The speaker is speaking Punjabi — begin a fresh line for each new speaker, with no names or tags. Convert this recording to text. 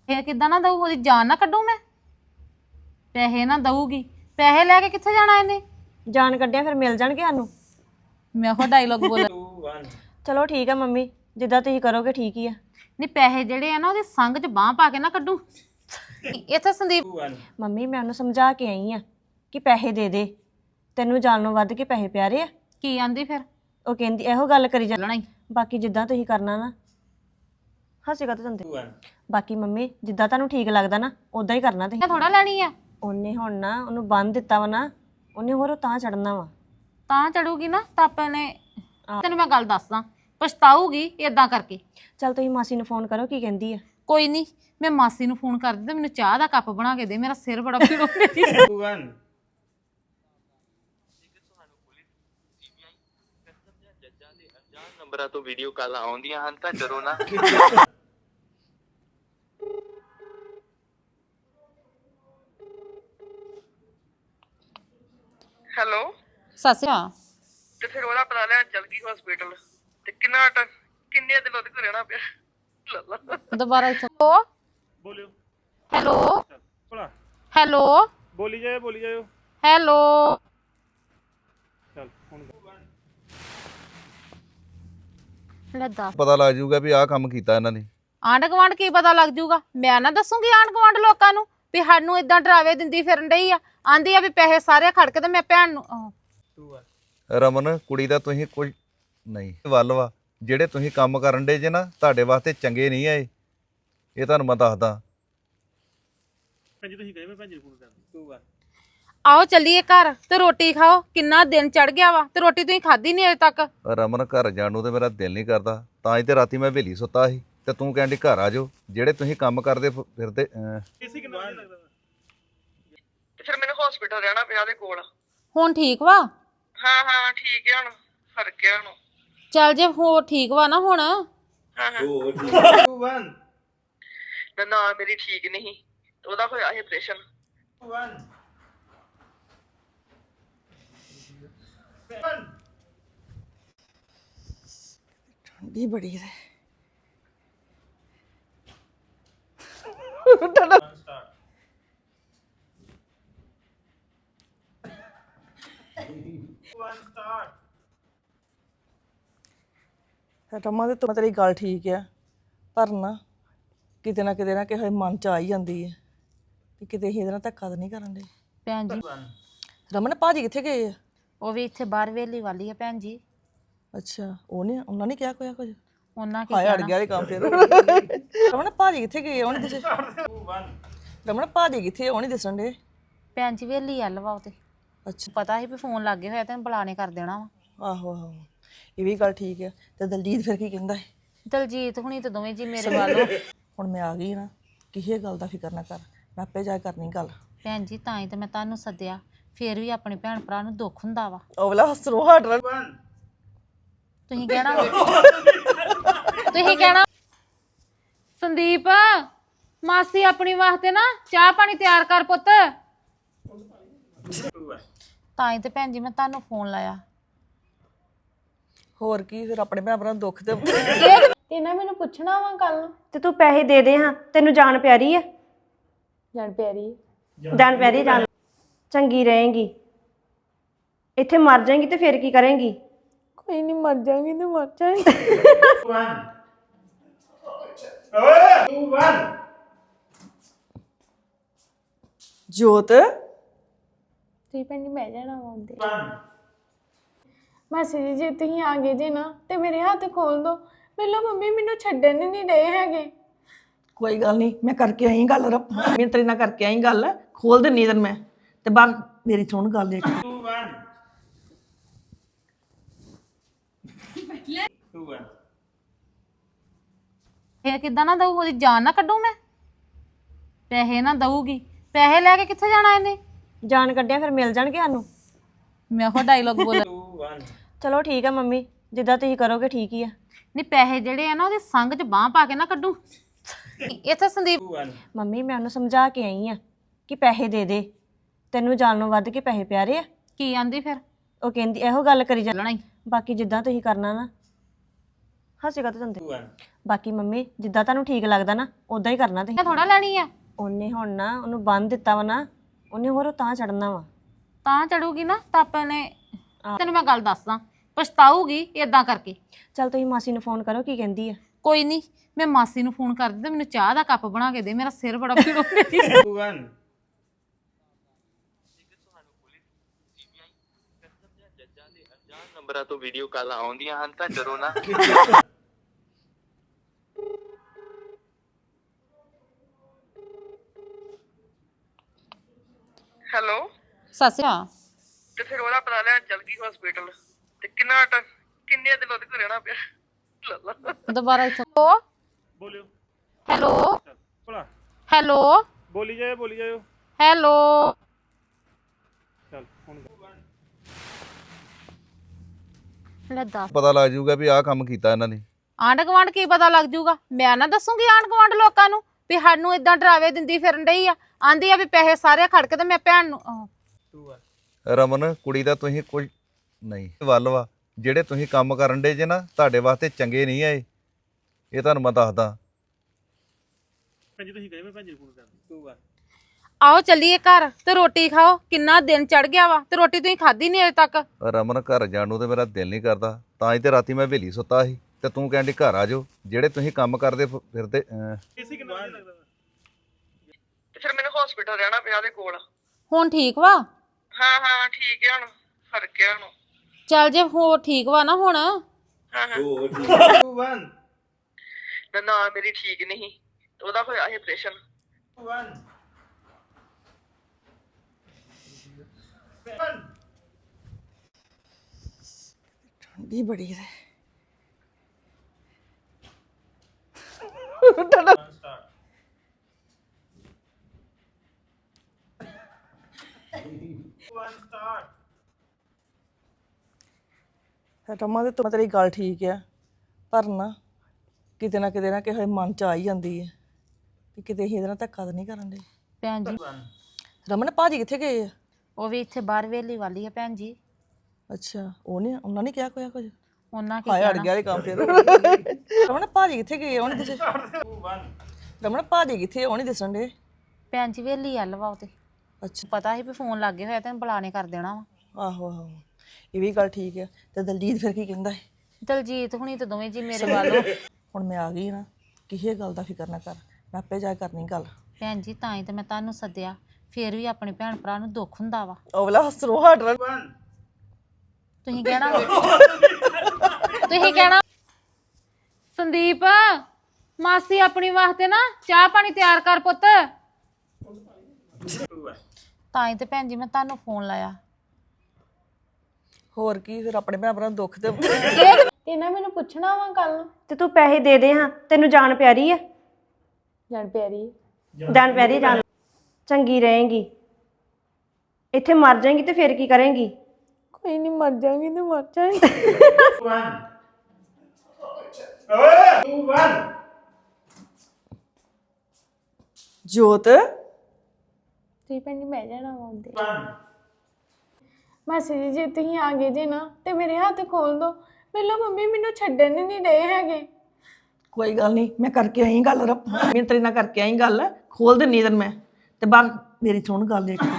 ਇਹ ਕਿੱਦਾਂ ਨਾ ਦਊ, ਉਹਦੀ ਜਾਨ ਨਾ ਕੱਢੂ ਮੈਂ। ਪੈਸੇ ਨਾ ਦਊਗੀ, ਪੈਸੇ ਲੈ ਕੇ ਕਿੱਥੇ ਜਾਣਾ ਇਹਨੇ?
ਜਾਨ ਕੱਢਿਆ ਫਿਰ ਮਿਲ ਜਾਣਗੇ ਸਾਨੂੰ।
ਮੈਂ ਉਹ ਡਾਇਲੋਗ ਬੋਲ
ਚਲੋ ਠੀਕ ਆ ਮੰਮੀ, ਜਿੱਦਾਂ ਤੁਸੀਂ ਕਰੋਗੇ ਠੀਕ ਹੀ ਆ।
ਨਹੀਂ ਪੈਸੇ ਜਿਹੜੇ ਆ ਨਾ ਉਹਦੇ ਸੰਗ 'ਚ ਬਾਂਹ ਪਾ ਕੇ ਨਾ ਕੱਢੂ। ਇੱਥੇ ਸੰਦੀਪ
ਮੰਮੀ ਮੈਂ ਉਹਨੂੰ ਸਮਝਾ ਕੇ ਆਈ ਆ ਕਿ ਪੈਸੇ ਦੇ ਦੇ, ਤੈਨੂੰ ਜਾਣੋਂ ਵੱਧ ਕੇ ਪੈਸੇ ਪਿਆਰੇ ਆ।
ਕੀ ਆਂਦੀ ਫਿਰ?
ਉਹ ਕਹਿੰਦੀ ਇਹੋ ਗੱਲ ਕਰੀ
ਚੱਲਣਾ ਹੀ।
ਬਾਕੀ ਜਿੱਦਾਂ ਤੁਸੀਂ ਕਰਨਾ ਨਾ, ਹੱਸੇਗਾ ਤਾਂ ਜਾਂਦੇ। ਬਾਕੀ ਮੰਮੀ ਜਿੱਦਾਂ ਤੁਹਾਨੂੰ ਠੀਕ ਲੱਗਦਾ ਨਾ ਉਦਾਂ ਹੀ ਕਰਨਾ ਤੁਸੀਂ।
ਥੋੜਾ ਲੈਣੀ ਆ।
ਉਹਨੇ ਹੁਣ ਨਾ ਉਹਨੂੰ ਬੰਨ ਦਿੱਤਾ ਵਾ ਨਾ, ਉਹਨੇ ਹੋਰ ਤਾਂ ਚੜਨਾ ਵਾ।
ਤਾਂ ਚੜੂਗੀ ਨਾ ਤਾਂ ਆਪਾਂ ਨੇ। ਤੈਨੂੰ ਮੈਂ ਗੱਲ ਦੱਸਦਾ, ਪਛਤਾਊਗੀ ਇਦਾਂ ਕਰਕੇ।
ਚੱਲ ਤੁਸੀਂ ਮਾਸੀ ਨੂੰ ਫੋਨ ਕਰੋ, ਕੀ ਕਹਿੰਦੀ ਆ।
ਕੋਈ ਨਹੀਂ, ਮੈਂ ਮਾਸੀ ਨੂੰ ਫੋਨ ਕਰਦੀ ਤੇ ਮੈਨੂੰ ਚਾਹ ਦਾ ਕੱਪ ਬਣਾ ਕੇ ਦੇ, ਮੇਰਾ ਸਿਰ ਬੜਾ ਪੀੜ ਹੋ ਰਿਹਾ।
ਨੰਬਰਾਂ ਤੋਂ ਵੀਡੀਓ ਕਾਲ ਆਉਂਦੀਆਂ ਹਨ ਤਾਂ ਡਰੋ ਨਾ। ਹੈਲੋ
ਸੱਸਿਆ
ਤੇ ਫਿਰ ਉਹਦਾ ਪਤਾ ਲੈਣ ਚੱਲ ਗਈ ਹਸਪੀਟਲ ਤੇ ਕਿੰਨੇ ਦਿਨ ਉਹਦੇ ਕੋਲ ਰਹਿਣਾ ਪਿਆ। ਲੱਲਾ
ਦੁਬਾਰਾ ਇੱਥੇ
ਬੋਲਿਓ।
ਹੈਲੋ
ਭਲਾ
ਹੈਲੋ
ਬੋਲੀ ਜਾਓ
ਹੈਲੋ।
ਚੱਲ ਹੁਣ
ਲੈ ਦੱਸ,
ਪਤਾ ਲੱਗ ਜਾਊਗਾ ਵੀ ਆਹ ਕੰਮ ਕੀਤਾ ਇਹਨਾਂ ਨੇ।
ਆਂਢ ਗੁਆਂਢ ਕੀ ਪਤਾ ਲੱਗ ਜਾਊਗਾ? ਮੈਂ ਨਾ ਦੱਸੂਗੀ ਆਂਢ ਗੁਆਂਢ ਲੋਕਾਂ ਨੂੰ ਵੀ ਸਾਨੂੰ ਇਦਾਂ ਡਰਾਵੇ ਦਿੰਦੀ ਫਿਰਨ ਡਈ ਆ। ਆਂਦੀ ਆ ਵੀ ਪੈਸੇ ਸਾਰੇ ਖੜ ਕੇ ਤੇ ਮੈਂ ਭੈਣ ਨੂੰ
ਰਮਨ ਕੁੜੀ ਦਾ ਤੁਸੀਂ ਕੁਝ ਨਹੀਂ ਵੱਲ ਵਾ, ਜਿਹੜੇ ਤੁਸੀਂ ਕੰਮ ਕਰਨ ਡੇ ਜੇ ਨਾ ਤੁਹਾਡੇ ਵਾਸਤੇ ਚੰਗੇ ਨਹੀਂ ਆਏ, ਇਹ ਤੁਹਾਨੂੰ ਮੈਂ ਦੱਸਦਾ।
ਭੈਣ ਜੀ ਤੁਸੀਂ ਕਹੇ ਮੈਂ ਭੈਣ ਜੀ ਨੂੰ ਫੋਨ ਕਰਦਾ।
ਆਓ ਚੱਲੀਏ ਘਰ ਤੇ ਰੋਟੀ ਖਾਓ। ਕਿੰਨਾ ਦਿਨ ਚੜ ਗਿਆ ਵਾ ਤੇ ਰੋਟੀ ਤੁਸੀਂ ਖਾਧੀ ਨਹੀਂ ਅਜੇ ਤੱਕ।
ਰਮਨ ਘਰ ਜਾਣ ਨੂੰ ਤੇ ਮੇਰਾ ਦਿਲ ਨਹੀਂ ਕਰਦਾ, ਤਾਂ ਹੀ ਤੇ ਰਾਤੀ ਮੈਂ ਹਵੇਲੀ ਸੁੱਤਾ ਸੀ ਤੇ ਤੂੰ ਕਹਿੰਦੀ ਘਰ ਆ ਜਾਓ। ਜਿਹੜੇ ਤੁਸੀਂ ਕੰਮ ਕਰਦੇ ਫਿਰਦੇ
ਇਸੇ ਕਿੰਨਾ ਵਧੀਆ ਲੱਗਦਾ ਤੇ ਫਿਰ ਮੈਨੂੰ ਹਸਪੀਟਲ ਰਹਿਣਾ ਪਿਆ ਉਹਦੇ ਕੋਲ।
ਹੁਣ ਠੀਕ ਵਾ?
ਹਾਂ ਠੀਕ ਹੈ, ਹੁਣ ਫਰਕ ਹੈ ਹੁਣ।
ਚੱਲ ਜੇ ਹੋ ਠੀਕ ਵਾ ਨਾ ਹੁਣ।
ਨਾ ਮੇਰੀ ਠੀਕ ਨਹੀਂ, ਉਹਦਾ ਹੋਇਆ ਸੀ ਆਪਰੇਸ਼ਨ।
ਠੰਡੀ ਬੜੀ ਹੈ।
ਰਮਾ ਦੇ ਤੋਂ ਤੇਰੀ ਗੱਲ ਠੀਕ ਆ, ਪਰ ਨਾ ਕਿਤੇ ਨਾ ਕਿਸੇ ਮਨ ਚ ਆ ਹੀ ਜਾਂਦੀ ਹੈ ਕਿ ਕਿਤੇ ਇਹਦੇ ਨਾਲ ਧੱਕਾ ਤਾਂ ਨਹੀਂ ਕਰਨ ਦੇ।
ਭੈਣ ਜੀ
ਰਮਨ ਭਾਜੀ ਕਿੱਥੇ ਗਏ ਆ?
ਉਹ ਵੀ ਇੱਥੇ ਬਾਹਰ ਵੇਲੀ ਵਾਲੀ ਆ ਭੈਣ ਜੀ।
ਅੱਛਾ, ਉਹਨਾਂ ਨੇ ਕਿਹਾ ਕੋਈ ਕੁਝ?
ਉਹਨਾਂ ਕੀ
ਹਾਏ ਅੜ ਗਿਆ ਇਹ ਕੰਮ ਫਿਰ। ਰਮਨ ਭਾਜੀ ਕਿੱਥੇ ਗਏ? ਉਹ ਨਹੀਂ ਦਿਸੇ। ਰਮਨ ਭਾਜੀ ਕਿੱਥੇ? ਉਹ ਨਹੀਂ ਦਿਸਣ ਦੇ।
ਭੈਣ ਜੀ ਵੇਲੀ ਆ ਲਵਾ ਉਹ ਤੇ।
ਅੱਛਾ,
ਪਤਾ ਸੀ ਵੀ ਫੋਨ ਲੱਗੇ ਹੋਇਆ ਤੇ ਬੁਲਾਣੇ ਕਰ ਦੇਣਾ ਵਾ।
ਆਹੋ ਇਹ ਵੀ ਗੱਲ ਠੀਕ ਆ। ਤੇ ਦਲਜੀਤ ਫਿਰ ਕੀ ਕਹਿੰਦਾ ਹੈ?
ਦਲਜੀਤ ਹੁਣੀ ਤੇ ਦੋਵੇਂ ਜੀ ਮੇਰੇ ਵੱਲ।
ਹੁਣ ਮੈਂ ਆ ਗਈ ਨਾ, ਕਿਸੇ ਗੱਲ ਦਾ ਫਿਕਰ ਨਾ ਕਰ, ਮੈਂ ਆਪੇ ਜਾ ਕਰਨੀ ਗੱਲ।
ਭੈਣ ਜੀ ਤਾਂ ਹੀ ਤੇ ਮੈਂ ਤੁਹਾਨੂੰ ਸੱਦਿਆ, ਫੇਰ ਵੀ ਆਪਣੇ ਭੈਣ ਭਰਾ ਨੂੰ ਦੁੱਖ ਹੁੰਦਾ ਵਾ।
ਉਹ ਵਾਲਾ ਹੱਸਰੋਂ ਹਟ ਰਿਹਾ।
ਤੁਸੀਂ ਕਹਿਣਾ ਸੰਦੀਪ ਮਾਸੀ ਆਪਣੀ ਵਾਸਤੇ ਨਾ ਚਾਹ ਪਾਣੀ ਤਿਆਰ ਕਰ ਪੁੱਤ। ਤਾਂ ਹੀ ਤੇ ਭੈਣ ਜੀ ਮੈਂ ਤੁਹਾਨੂੰ ਫੋਨ ਲਾਇਆ।
ਹੋਰ ਕੀ, ਫਿਰ ਆਪਣੇ ਭੈਣ ਭਰਾ ਨੂੰ ਦੁੱਖ ਤੇ
ਇਹਨਾਂ ਮੈਨੂੰ ਪੁੱਛਣਾ ਵਾ ਕੱਲ ਨੂੰ।
ਤੇ ਤੂੰ ਪੈਸੇ ਦੇ ਦੇ ਹਾਂ, ਤੈਨੂੰ ਜਾਨ ਪਿਆਰੀ ਆ।
ਜਾਣ ਪਿਆਰੀ
ਜਾਨ ਪਿਆਰੀ ਜਾਨ ਚੰਗੀ ਰਹੇਗੀ। ਇੱਥੇ ਮਰ ਜਾਏਗੀ ਤੇ ਫਿਰ ਕੀ ਕਰੇਂਗੀ?
ਕੋਈ ਨਹੀਂ, ਮਰ ਜਾਵਾਂਗੀ ਤੇ ਮਰ ਜਾਵਾਂਗੀ।
ਜੋਤ
ਤੁਸੀਂ ਭੈਣ ਜੀ ਬਹਿ ਜਾਣਾ ਵਾ ਉਹਦੇ। ਮਾਸੀ ਜੀ ਜੇ ਤੁਸੀਂ ਆ ਗਏ ਜੇ ਨਾ ਤੇ ਮੇਰੇ ਹੱਥ ਖੋਲ ਦੋ। ਪਹਿਲਾਂ ਮੰਮੀ ਮੈਨੂੰ ਛੱਡਣ ਹੀ ਨਹੀਂ ਰਹੇ ਹੈਗੇ।
ਕੋਈ ਗੱਲ ਨਹੀਂ, ਮੈਂ ਕਰਕੇ ਆਈ ਗੱਲ। ਮੈਂ ਤੇਰੇ ਨਾਲ ਕਰਕੇ ਆਈ ਗੱਲ, ਖੋਲ ਦਿੰਨੀ ਤੈਨੂੰ ਮੈਂ। ਤੇ ਬਾਹਰ ਮੇਰੀ ਸੁਣ ਗੱਲ ਇੱਕ।
ਇਹ ਕਿੱਦਾਂ ਨਾ ਦਊ, ਉਹਦੀ ਜਾਨ ਨਾ ਕੱਢੂ ਮੈਂ। ਪੈਸੇ ਨਾ ਦਊਗੀ, ਪੈਸੇ ਲੈ ਕੇ ਕਿੱਥੇ ਜਾਣਾ ਇਹਨੇ?
ਜਾਨ ਕੱਢਿਆ ਫਿਰ ਮਿਲ ਜਾਣਗੇ ਸਾਨੂੰ।
ਮੈਂ ਉਹ ਡਾਇਲੋਗ ਬੋਲ
ਚਲੋ ਠੀਕ ਆ ਮੰਮੀ, ਜਿੱਦਾਂ ਤੁਸੀਂ ਕਰੋਗੇ ਠੀਕ ਹੀ ਆ।
ਨਹੀਂ ਪੈਸੇ ਜਿਹੜੇ ਆ ਨਾ ਉਹਦੇ ਸੰਗ 'ਚ ਬਾਂਹ ਪਾ ਕੇ ਨਾ ਕੱਢੂ। ਇੱਥੇ ਸੰਦੀਪ
ਮੰਮੀ ਮੈਂ ਉਹਨੂੰ ਸਮਝਾ ਕੇ ਆਈ ਆ ਕਿ ਪੈਸੇ ਦੇ ਦੇ, ਤੈਨੂੰ ਜਾਣੋਂ ਵੱਧ ਕੇ ਪੈਸੇ ਪਿਆਰੇ ਆ।
ਕੀ ਆਂਦੀ ਫਿਰ?
ਉਹ ਕਹਿੰਦੀ ਇਹੋ ਗੱਲ ਕਰੀ
ਚੱਲਣਾ ਹੀ।
ਬਾਕੀ ਜਿੱਦਾਂ ਤੁਸੀਂ ਕਰਨਾ ਨਾ ਹੱਸੇ ਕਾ ਜਾਂਦੇ ਬਾਕੀ ਮੰਮੀ ਜਿੱਦਾਂ ਤੁਹਾਨੂੰ ਠੀਕ ਲੱਗਦਾ ਨਾ ਉਦਾਂ ਹੀ ਕਰਨਾ ਤੁਸੀਂ
ਥੋੜਾ ਲੈਣੀ ਆ
ਉਹਨੇ ਹੁਣ ਨਾ ਉਹਨੂੰ ਬੰਨ ਦਿੱਤਾ ਵਾ ਨਾ ਉਹਨੇ ਹੋਰ ਤਾਂ ਚੜਨਾ ਵਾ
ਤਾਂ ਚੜੂਗੀ ਨਾ ਤਾਂ ਆਪਾਂ ਨੇ ਤੈਨੂੰ ਮੈਂ ਗੱਲ ਦੱਸਦਾ ਪਛਤਾਊਗੀ ਇਦਾਂ ਕਰਕੇ।
ਚੱਲ ਤੁਸੀਂ ਮਾਸੀ ਨੂੰ ਫੋਨ ਕਰੋ ਕੀ ਕਹਿੰਦੀ ਆ
ਕੋਈ ਨਹੀਂ ਮੈਂ ਮਾਸੀ ਨੂੰ ਫੋਨ ਕਰਦੀ ਤੇ ਮੈਨੂੰ ਚਾਹ ਦਾ ਕੱਪ ਬਣਾ ਕੇ ਦੇ, ਮੇਰਾ ਸਿਰ ਬੜਾ ਪੀੜ ਹੋ ਰਿਹਾ।
ਨੰਬਰਾਂ ਤੋਂ ਵੀਡੀਓ ਕਾਲ ਆਉਂਦੀਆਂ ਹਨ ਤਾਂ ਡਰੋ ਨਾ। ਹੈਲੋ
ਸਤਿ ਸ਼੍ਰੀ ਅਕਾਲ।
ਤੇ ਫਿਰ ਉਹਦਾ ਪਤਾ ਲੈਣ ਚੱਲ ਗਈ ਹਸਪੀਟਲ ਤੇ ਕਿੰਨੇ ਦਿਨ ਉਹਦੇ ਕੋਲ ਰਹਿਣਾ ਪਿਆ। ਲੱਲਾ
ਦੁਬਾਰਾ ਇੱਥੋਂ
ਬੋਲਿਓ
ਹੈਲੋ
ਭਲਾ
ਹੈਲੋ
ਬੋਲੀ ਜਾਓ
ਹੈਲੋ
ਚੱਲ ਹੁਣ
ਲੈ ਦੱਸ
ਪਤਾ ਲੱਗ ਜਾਊਗਾ ਵੀ ਆਹ ਕੰਮ ਕੀਤਾ ਇਹਨਾਂ ਨੇ।
ਆਂਢ ਗੁਆਂਢ ਕੀ ਪਤਾ ਲੱਗ ਜਾਊਗਾ? ਮੈਂ ਨਾ ਦੱਸੂਗੀ ਆਂਢ ਗੁਆਂਢ ਲੋਕਾਂ ਨੂੰ ਵੀ ਸਾਨੂੰ ਇਦਾਂ ਡਰਾਵੇ ਦਿੰਦੀ ਫਿਰਨ ਡਈ ਆ, ਆਂਦੀ ਆ ਵੀ ਪੈਸੇ ਸਾਰੇ ਖੜ ਕੇ ਤੇ ਮੈਂ ਭੈਣ ਨੂੰ
ਰਮਨ ਕੁੜੀ ਦਾ ਤੁਸੀਂ ਕੁਝ ਨਹੀਂ ਵੱਲ ਵਾ ਜਿਹੜੇ ਤੁਸੀਂ ਕੰਮ ਕਰਨ ਡੇ ਜੇ ਨਾ ਤੁਹਾਡੇ ਵਾਸਤੇ ਚੰਗੇ ਨਹੀਂ ਆਏ, ਇਹ ਤੁਹਾਨੂੰ ਮੈਂ ਦੱਸਦਾ।
ਭੈਣ ਤੁਸੀਂ ਕਹੇ ਮੈਂ ਭੈਣ ਜੀ ਨੂੰ ਫੋਨ ਕਰਦਾ
ਆਓ ਚੱਲੀਏ ਘਰ ਤੇ ਰੋਟੀ ਖਾਓ, ਕਿੰਨਾ ਦਿਨ ਚੜ ਗਿਆ ਵਾ ਤੇ ਰੋਟੀ ਤੁਸੀਂ ਖਾਧੀ ਨਹੀਂ ਅਜੇ ਤੱਕ।
ਰਮਨ ਘਰ ਜਾਣ ਨੂੰ ਤੇ ਮੇਰਾ ਦਿਲ ਨਹੀਂ ਕਰਦਾ, ਤਾਂ ਹੀ ਤੇ ਰਾਤੀ ਮੈਂ ਹਵੇਲੀ ਸੁੱਤਾ ਸੀ ਤੇ ਤੂੰ ਕਹਿੰਦੀ ਘਰ ਆ ਜਾਓ। ਜਿਹੜੇ ਤੁਸੀਂ ਕੰਮ ਕਰਦੇ ਫਿਰਦੇ
ਇਸੇ ਕਿੰਨਾ ਵਧੀਆ ਲੱਗਦਾ
ਤੇ ਫਿਰ ਮੈਨੂੰ ਹਸਪੀਟਲ ਰਹਿਣਾ ਪਿਆ ਉਹਦੇ ਕੋਲ।
ਹੁਣ ਠੀਕ ਵਾ?
ਹਾਂ ਠੀਕ ਹੈ, ਹੁਣ ਫਰਕ ਹੈ ਹੁਣ।
ਚੱਲ ਜੇ ਹੋਰ ਠੀਕ ਵਾ ਨਾ ਹੁਣ।
ਨਾ ਮੇਰੀ ਠੀਕ ਨਹੀਂ, ਉਹਦਾ ਹੋਇਆ ਸੀ ਆਪਰੇਸ਼ਨ।
ਠੰਡੀ ਬੜੀ ਹੈ। ਰਮਾ ਤੇ ਤੇਰੀ ਗੱਲ ਠੀਕ ਆ, ਪਰ ਨਾ ਕਿਤੇ ਨਾ ਕਿਸੇ ਮਨ ਚ ਆ ਹੀ ਜਾਂਦੀ ਹੈ ਕਿ ਕਿਤੇ ਅਸੀਂ ਇਹਦੇ ਨਾਲ ਧੱਕਾ ਤਾਂ ਨਹੀਂ ਕਰਨ ਦੇ।
ਭੈਣ ਜੀ
ਰਮਨ ਭਾਜੀ ਕਿੱਥੇ ਗਏ ਆ?
ਉਹ ਵੀ ਇੱਥੇ ਬਾਹਰ ਵੇਲੀ ਵਾਲੀ ਆ ਭੈਣ ਜੀ।
ਅੱਛਾ ਉਹਨਾਂ ਨੇ ਕਿਹਾ ਕੁਝ?
ਉਹਨਾਂ ਕੀ
ਹਾਏ ਅੜ
ਕਹਿਣਾ?
ਗਿਆ ਇਹ ਕੰਮ ਫਿਰ। ਰਮਨ ਭਾਜੀ ਕਿੱਥੇ ਗਏ? ਉਹ ਨਹੀਂ ਦਿਸੇ। ਰਮਨ ਭਾਜੀ ਕਿੱਥੇ? ਉਹ ਨਹੀਂ ਦਿਸਣ ਦੇ।
ਭੈਣ ਜੀ ਵੇਲੀ ਆ ਲਵਾ ਉਹ ਤੇ
ਅੱਛਾ
ਪਤਾ ਸੀ ਵੀ ਫੋਨ ਲੱਗੇ ਹੋਇਆ ਤੈਨੂੰ ਬੁਲਾਣੇ ਕਰ ਦੇਣਾ ਵਾ।
ਆਹੋ ਇਹ ਵੀ ਗੱਲ ਠੀਕ ਹੈ। ਤੇ ਦਲਜੀਤ ਫਿਰ ਕੀ ਕਹਿੰਦਾ ਹੈ?
ਦਲਜੀਤ ਹੁਣੀ ਤੇ ਦੋਵੇਂ ਜੀ ਮੇਰੇ ਵੱਲ।
ਹੁਣ ਮੈਂ ਆ ਗਈ ਨਾ, ਕਿਸੇ ਗੱਲ ਦਾ ਫਿਕਰ ਨਾ ਕਰ, ਮੈਂ ਆਪੇ ਜਾ ਕੇ ਕਰਨੀ ਗੱਲ।
ਭੈਣ ਜੀ ਤਾਂ ਹੀ ਤੇ ਮੈਂ ਤੁਹਾਨੂੰ ਸੱਦਿਆ, ਫੇਰ ਵੀ ਆਪਣੇ ਭੈਣ ਭਰਾ ਨੂੰ ਦੁੱਖ ਹੁੰਦਾ ਵਾ।
ਉਹ ਵਾਲਾ ਹੱਸਰੋਂ ਹਟ ਰਿਹਾ।
ਤੁਸੀਂ ਕਹਿਣਾ ਸੰਦੀਪ ਮਾਸੀ ਆਪਣੀ ਵਾਸਤੇ ਨਾ ਚਾਹ ਪਾਣੀ ਤਿਆਰ ਕਰ ਪੁੱਤ। ਤਾਂ ਹੀ ਤੇ ਭੈਣ ਜੀ ਮੈਂ ਤੁਹਾਨੂੰ ਫੋਨ ਲਾਇਆ।
ਹੋਰ ਕੀ ਫਿਰ ਆਪਣੇ ਭੈਣ ਭਰਾ ਨੂੰ ਦੁੱਖ ਤੇ
ਇਹਨਾਂ ਮੈਨੂੰ ਪੁੱਛਣਾ ਵਾ ਕੱਲ ਨੂੰ।
ਤੇ ਤੂੰ ਪੈਸੇ ਦੇ ਦੇ ਹਾਂ, ਤੈਨੂੰ ਜਾਨ ਪਿਆਰੀ ਆ।
ਜੜ ਪਿਆਰੀ
ਜਾਨ ਪਿਆਰੀ ਜਾਨ ਚੰਗੀ ਰਹੇਗੀ। ਇੱਥੇ ਮਰ ਜਾਏਗੀ ਤੇ ਫਿਰ ਕੀ ਕਰੇਂਗੀ?
ਕੋਈ ਨਹੀਂ, ਮਰ ਜਾਵਾਂਗੀ ਤੇ ਮਰ ਜਾਵਾਂਗੀ।
ਜੋਤ
ਤੁਸੀਂ ਭੈਣ ਜੀ ਬਹਿ ਜਾਣਾ ਵਾ ਉਹਦੇ। ਮਾਸੀ ਜੀ ਜੇ ਤੁਸੀਂ ਆ ਗਏ ਜੇ ਨਾ ਤੇ ਮੇਰੇ ਹੱਥ ਖੋਲ ਦੋ। ਪਹਿਲਾਂ ਮੰਮੀ ਮੈਨੂੰ ਛੱਡਣ ਨਹੀਂ ਰਹੇ ਹੈਗੇ।
ਕੋਈ ਗੱਲ ਨਹੀਂ, ਮੈਂ ਕਰਕੇ ਆਈ ਗੱਲ। ਮੈਂ ਤੇਰੇ ਨਾਲ ਕਰਕੇ ਆਈ ਗੱਲ, ਖੋਲ ਦਿੰਨੀ ਤੈਨੂੰ ਮੈਂ। ਤੇ ਬਾਹਰ ਮੇਰੀ ਸੁਣ ਗੱਲ ਇੱਕ।